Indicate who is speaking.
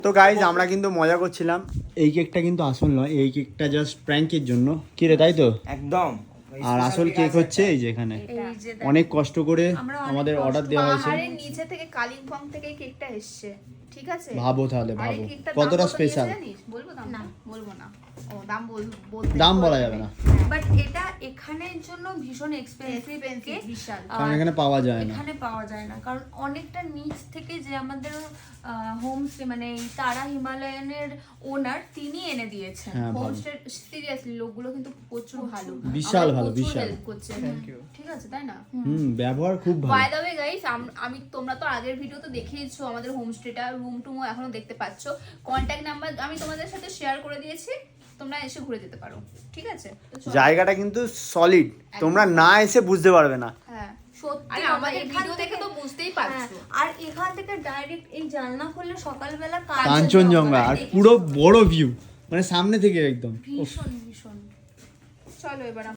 Speaker 1: তো গাইজ আমরা কিন্তু মজা করছিলাম, এই কেকটা কিন্তু আসল নয়, এই কেকটা জাস্ট প্র্যাঙ্কের জন্য, কি রে তাই তো?
Speaker 2: একদম।
Speaker 1: আর আসল কেক হচ্ছে এই যে এখানে অনেক কষ্ট করে আমাদের অর্ডার দেওয়া হয়েছে।
Speaker 3: পাহাড়ের নিচে থেকে কালিম্পং থেকে কেকটা এসছে, ঠিক আছে?
Speaker 1: ভাবো তাহলে,
Speaker 3: আর এই
Speaker 1: ভাবো
Speaker 3: কেকটার
Speaker 1: কতটা
Speaker 3: দাম কত
Speaker 1: স্পেশাল।
Speaker 3: নিয়েছে জানিস? বলবো দাম? না বলবো না। ও দাম বলতে
Speaker 1: দাম বলা যাবে না,
Speaker 4: বাট এটা এখানের জন্য ভীষণ এক্সপেন্সিভ কেক,
Speaker 3: বিশাল।
Speaker 1: কারণ এখানে পাওয়া যায় না।
Speaker 4: এখানে পাওয়া যায় না কারণ অনেকটা নিচ থেকে যে আমাদের হোমস্টে মানে এই তারা হিমালয়ানের ওনার তিনি এনে দিয়েছেন।
Speaker 1: হ্যাঁ ভালো,
Speaker 3: হোমস্টে সিরিয়াসলি লোকগুলো কিন্তু প্রচুর ভালো,
Speaker 1: বিশাল
Speaker 3: আমাদের
Speaker 1: ভালো,
Speaker 3: প্রচুর
Speaker 1: বিশাল।
Speaker 3: হেল্প করছে, ঠিক আছে তাই না?
Speaker 1: ব্যবহার খুব
Speaker 3: বাই
Speaker 1: ভালো।
Speaker 3: দ্য ওয়ে গাইস, আমি তোমরা তো আগের ভিডিওতে দেখিয়েছো আমাদের হোমস্টেটা, রুম টুমও এখনো দেখতে পাচ্ছো, কন্ট্যাক্ট নাম্বার আমি তোমাদের সাথে শেয়ার করে দিয়েছি, তোমরা এসে ঘুরে যেতে পারো, ঠিক আছে? তো চলো।
Speaker 1: জায়গাটা কিন্তু সলিড, তোমরা না এসে বুঝতে পারবে না।
Speaker 3: হ্যাঁ
Speaker 4: সত্যি
Speaker 3: আরে আমাদের
Speaker 4: এখান
Speaker 3: ভিডিও দেখে
Speaker 4: থেকে-
Speaker 3: তো বুঝতেই
Speaker 4: হ্যাঁ,
Speaker 3: পারছো।
Speaker 4: আর এখান থেকে ডাইরেক্ট এই জানলা খুললে সকালবেলা
Speaker 1: কাঞ্চনজঙ্ঘা, আর পুরো বড় ভিউ, মানে সামনে থেকে একদম।
Speaker 4: ভীষণ ভীষণ।
Speaker 3: চলো এবার